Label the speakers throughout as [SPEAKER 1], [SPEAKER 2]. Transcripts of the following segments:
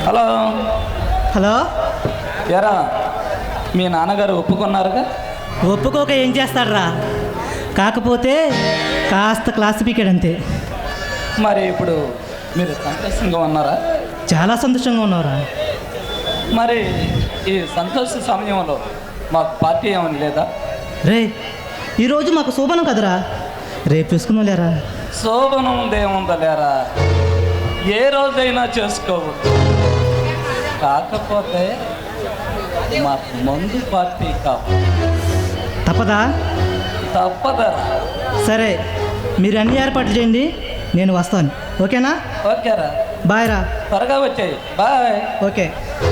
[SPEAKER 1] Hello
[SPEAKER 2] hello.
[SPEAKER 1] ఎరా మీ నాన్నగారు ఒప్పుకున్నారుగా?
[SPEAKER 2] ఒప్పుకోక ఏం చేస్తాడ్రా, కాకపోతే కాస్త క్లాసిఫికేట్ అంతే.
[SPEAKER 1] మరి ఇప్పుడు మీరు సంతోషంగా ఉన్నారా?
[SPEAKER 2] చాలా సంతోషంగా ఉన్నారా?
[SPEAKER 1] మరి ఈ సంతోష సమయంలో మాకు పార్టీ ఏమని లేదా?
[SPEAKER 2] రే, ఈరోజు మాకు శోభనం కదరా, రేపు చూసుకున్నాం లేరా.
[SPEAKER 1] శోభనం ఉందేముందా లేరా, ఏ రోజైనా చేసుకోవచ్చు. కాకపోతే మాకు మందు పార్టీ కావాలి.
[SPEAKER 2] తప్పదా?
[SPEAKER 1] తప్పదరా.
[SPEAKER 2] సరే, మీరు అన్ని ఏర్పాట్లు చేయండి, నేను వస్తాను. ఓకేనా?
[SPEAKER 1] ఓకేరా,
[SPEAKER 2] బాయ్ రా.
[SPEAKER 1] త్వరగా వచ్చాయి. బాయ్.
[SPEAKER 2] ఓకే.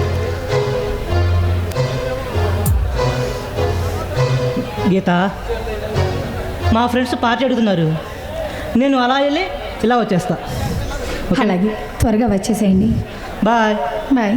[SPEAKER 2] గీత, మా ఫ్రెండ్స్ పార్టీ అడుగుతున్నారు, నేను అలా వెళ్ళి ఇలా వచ్చేస్తా.
[SPEAKER 3] అలాగే, త్వరగా వచ్చేసేయండి.
[SPEAKER 2] బాయ్.
[SPEAKER 3] బాయ్.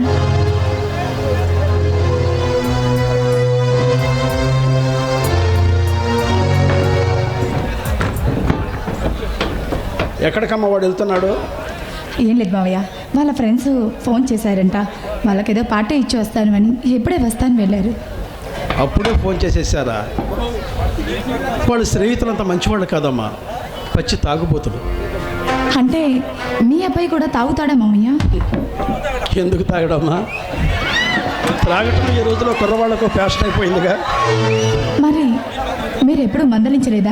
[SPEAKER 4] ఎక్కడికమ్మా వాడు వెళ్తున్నాడు?
[SPEAKER 3] ఏం లేదు మావయ్య, వాళ్ళ ఫ్రెండ్స్ ఫోన్ చేశారంట, వాళ్ళకేదో పార్టీ ఇచ్చి వస్తాను అని. ఎప్పుడే వస్తాను వెళ్ళారు.
[SPEAKER 4] అప్పుడే ఫోన్ చేసేసారా? వాళ్ళ స్నేహితులంతా మంచివాళ్ళు కాదమ్మా, పచ్చి తాగుబోతులు.
[SPEAKER 3] అంటే మీ అబ్బాయి కూడా తాగుతాడా మావయ్య?
[SPEAKER 4] ఎందుకు తాగడమ్మా? త్రాగటం ఈ రోజులో కుర్రవాళ్ళకు ఫ్యాషన్ అయిపోయిందిగా.
[SPEAKER 3] మరి మీరు ఎప్పుడు మందలించలేదా?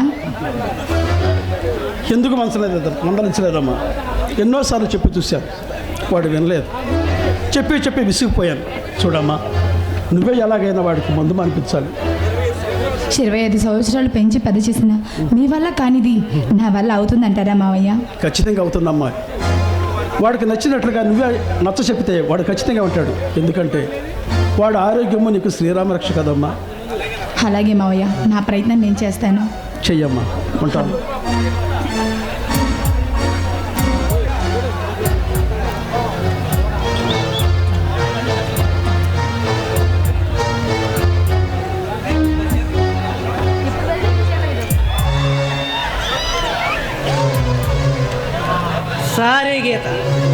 [SPEAKER 4] ఎందుకు మందలించలేదమ్మా? ఎన్నోసార్లు చెప్పి చూశాను, వాడు వినలేదు. చెప్పి విసిగిపోయాను. చూడమ్మా, నువ్వే ఎలాగైనా వాడికి మందు అనిపించాలి.
[SPEAKER 3] 25 సంవత్సరాలు పెంచి పెద్ద చేసిన మీ వల్ల కానిది నా వల్ల అవుతుందంటారా మావయ్య?
[SPEAKER 4] ఖచ్చితంగా అవుతుందమ్మా. వాడికి నచ్చినట్లుగా నువ్వే నచ్చ చెప్తే వాడు ఖచ్చితంగా ఉంటాడు. ఎందుకంటే వాడు ఆరోగ్యము నీకు శ్రీరామరక్ష కదమ్మా.
[SPEAKER 3] అలాగే మావయ్య, నా ప్రయత్నం నేను చేస్తాను.
[SPEAKER 4] చెయ్యమ్మా, ఉంటాను.
[SPEAKER 2] సారీ గీత,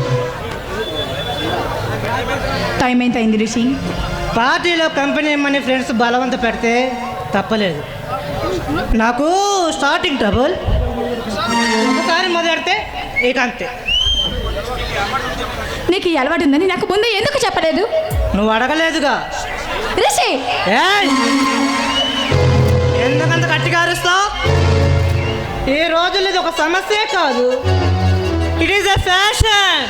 [SPEAKER 3] టైం ఎంత అయింది రిషి?
[SPEAKER 2] పార్టీలో కంపెనీ మనీ ఫ్రెండ్స్ బలవంత పెడితే తప్పలేదు. నాకు స్టార్టింగ్ ట్రబుల్, ఒకసారి మొదలెడితే ఇక అంతే.
[SPEAKER 3] నీకు ఈ అలవాటు ఉందని నాకు ముందు ఎందుకు చెప్పలేదు?
[SPEAKER 2] నువ్వు అడగలేదుగా.
[SPEAKER 3] రిషి,
[SPEAKER 2] ఏయ్! ఎందుకంత గట్టిగా అరుస్తావు? ఈ రోజుల్లో ఇది ఒక సమస్యే కాదు, ఇట్ ఈస్ ఎ ఫ్యాషన్.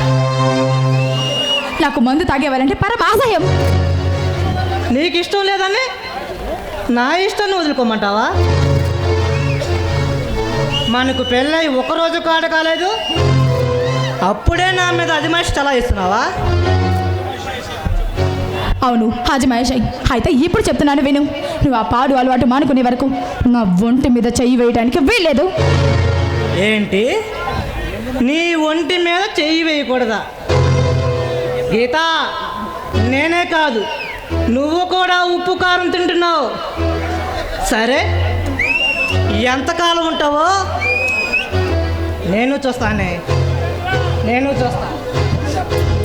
[SPEAKER 3] నాకు మందు తాగేవాలంటే పరమాశయం.
[SPEAKER 2] నీకు ఇష్టం లేదని నా ఇష్టాన్ని వదులుకోమంటావా? మనకు పెళ్ళై ఒకరోజు కాడ కాలేదు, అప్పుడే నా మీద అజమాయిషి తలా ఇస్తున్నావా?
[SPEAKER 3] అవును, హాజమాయిష్. అయితే ఇప్పుడు చెప్తున్నాను విను. నువ్వు ఆ పాడు అలవాటు మానుకునే వరకు నా ఒంటి మీద చెయ్యి వేయడానికి వీల్లేదు.
[SPEAKER 2] ఏంటి, నీ ఒంటి మీద చెయ్యి వేయకూడదా? గీత, నేనే కాదు, నువ్వు కూడా ఉప్పు కారం తింటున్నావు. సరే, ఎంతకాలం ఉంటావో నేను చూస్తాను.